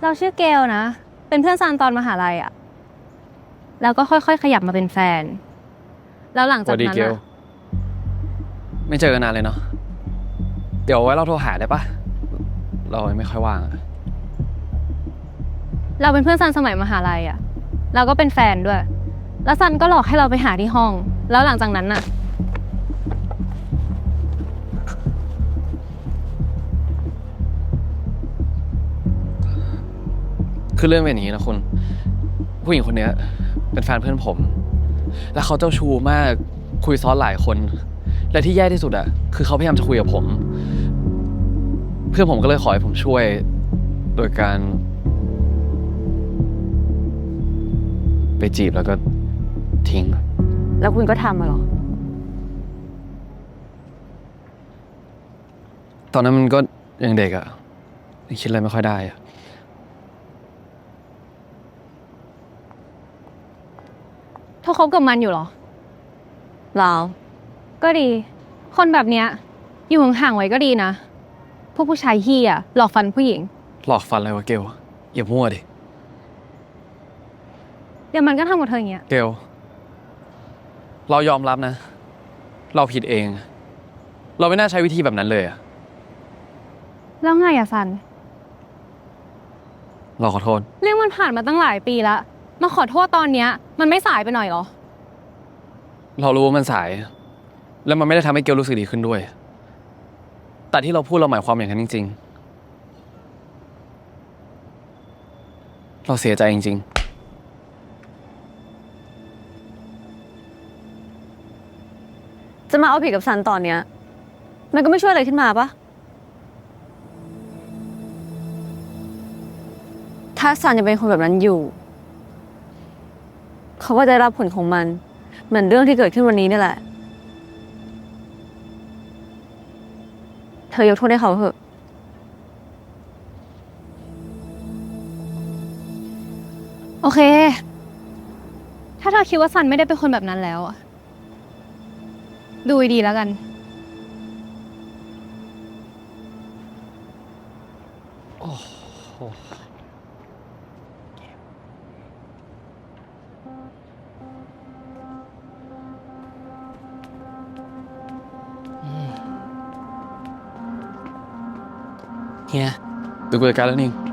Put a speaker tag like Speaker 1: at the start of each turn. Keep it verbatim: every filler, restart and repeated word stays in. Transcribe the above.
Speaker 1: เราชื่อเกลนะเป็นเพื่อนซันตอนมหาลัยอะแล้วก็ค่อยๆขยับมาเป็นแฟนแล้วหลังจากนั้นอะ
Speaker 2: ไม่เจอกันนานเลยเนาะเดี๋ยวไว้เราโทรหาได้ปะเราไม่ค่อยว่าง
Speaker 1: เราเป็นเพื่อนซันสมัยมหาลัยอะเราก็เป็นแฟนด้วยแล้วซันก็หลอกให้เราไปหาที่ห้องแล้วหลังจากนั้นอะ
Speaker 2: คือเรื่องเป็นอย่างนี้นะคุณผู้หญิงคนนี้เป็นแฟนเพื่อนผมแล้วเขาเจ้าชู้มากคุยซ้อนหลายคนและที่แย่ที่สุดอะคือเขาพยายามจะคุยกับผมเพื่อนผมก็เลยขอให้ผมช่วยโดยการไปจีบแล้วก็ทิ้ง
Speaker 3: แล้วคุณก็ทำมาหรอ
Speaker 2: ตอนนั้นมันก็ยังเด็กอะคิดอะไรไม่ค่อยได้อะ
Speaker 1: เธอคบกับมันอยู่เหรอ
Speaker 3: เรา
Speaker 1: ก็ดีคนแบบเนี้ยอยู่ห่างๆไว้ก็ดีนะพวกผู้ชายเหี้ยหลอกฟันผู้หญิง
Speaker 2: หลอกฟันอะไรวะเกลอย่ามั่วดิ
Speaker 1: เดี๋ยวมันก็ทำกับเธออย่างเงี้ย
Speaker 2: เกลเรายอมรับนะเราผิดเอง เราไม่น่าใช้วิธีแบบนั้นเลยอะ
Speaker 1: แล้วไงอะซัน
Speaker 2: เราขอโทษ
Speaker 1: เรื่องมันผ่านมาตั้งหลายปีแล้วมาขอโทษตอนเนี้ยมันไม่สายไปหน่อยเหรอ
Speaker 2: เรารู้ว่ามันสาย แล้วมันไม่ได้ทำให้เกลรู้สึกดีขึ้นด้วย แต่ที่เราพูดเราหมายความอย่างนั้นจริงๆ เราเสียใจจริง
Speaker 3: ๆจะมาเอาผิดกับซันตอนเนี้ยมันก็ไม่ช่วยอะไรขึ้นมาปะถ้าซันยังเป็นคนแบบนั้นอยู่เขาก็จะรับผลของมันเหมือนเรื่องที่เกิดขึ้นวันนี้นี่แหละเธอยกโทษให้เขาเถอะ
Speaker 1: โอเคถ้าเธอคิดว่าซันไม่ได้เป็นคนแบบนั้นแล้วอะดูดีแล้วกัน
Speaker 2: โอ้โหเฮียดูกูจัดการแล้วนี่